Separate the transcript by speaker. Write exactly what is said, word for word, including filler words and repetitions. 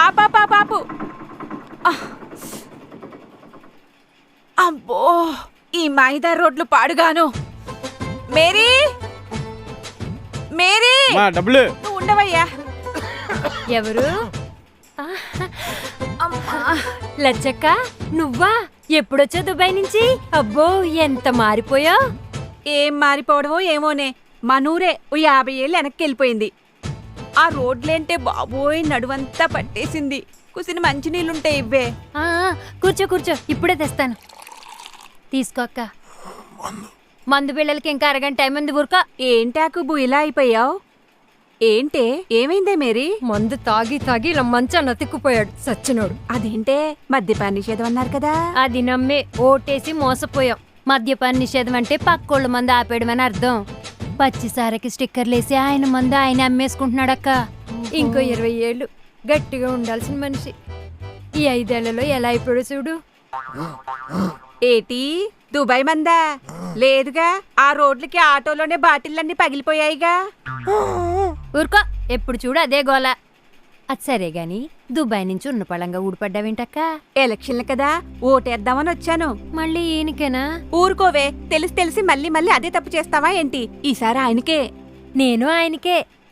Speaker 1: ఆపా పాపు. అబ్బో ఈ మైదా రోడ్లు పాడుగాను. మేరీ మేరీ
Speaker 2: డబ్బులు
Speaker 1: నువ్వు ఉండవయ్యా.
Speaker 3: ఎవరు? లచ్చక్క నువ్వా? ఎప్పుడొచ్చా దుబాయ్ నుంచి? అబ్బో ఎంత మారిపోయా.
Speaker 1: ఏం మారిపోవడమో ఏమోనే, మనూరే ఓ యాభై ఏళ్ళు వెనక్కి వెళ్ళిపోయింది. ఆ రోడ్లేంటే బాబోయ్ నడువంతా పట్టేసింది. కుసిన మంచినీళ్ళుంటాయి ఇవ్వే.
Speaker 3: ఆ, కూర్చో కూర్చో, ఇప్పుడే తెస్తాను. తీసుకో అక్క. మందు పిల్లలకి ఇంకా అరగంట టైం ఉంది. ఊరుక.
Speaker 1: ఏంటాకుబు ఇలా అయిపోయావు? ఏంటే ఏమైందే మేరీ?
Speaker 3: మందు తాగి తాగి ఇలా మంచాన్ని అతిక్కుపోయాడు సచ్చినోడు.
Speaker 1: అదేంటే మద్యపాన నిషేధం అన్నారు కదా.
Speaker 3: అది నమ్మే ఓటేసి మోసపోయాం. మద్యపాన నిషేధం అంటే పక్కోళ్ళ మందు ఆపేయడం అని అర్థం. పచ్చిసారకి స్టిక్కర్లేసి ఆయన మందు ఆయన అమ్మేసుకుంటున్నాడక్క. ఇంకో ఇరవై ఏళ్ళు గట్టిగా ఉండాల్సిన మనిషి ఈ ఐదేళ్లలో ఎలా అయిపోయాడు చూడు.
Speaker 1: ఏటి దుబాయ్ మందా? లేదుగా, ఆ రోడ్లకి ఆటోలోనే బాటిళ్ళన్నీ పగిలిపోయాయిగా.
Speaker 3: ఊరుకో, ఎప్పుడు చూడు అదే గోల. అది సరే గాని దుబాయ్ నుంచి ఉన్న పళంగా ఊడిపడ్డావేంటక్క?
Speaker 1: ఎలక్షన్లు కదా, ఓటేద్దామని వచ్చాను.
Speaker 3: మళ్ళీ ఈయనకేనా?
Speaker 1: ఊరుకోవే, తెలిసి తెలిసి మళ్ళీ మళ్ళీ అదే తప్పు చేస్తావా ఏంటి? ఈసారి ఆయనకే.
Speaker 3: నేను ఆయనకే.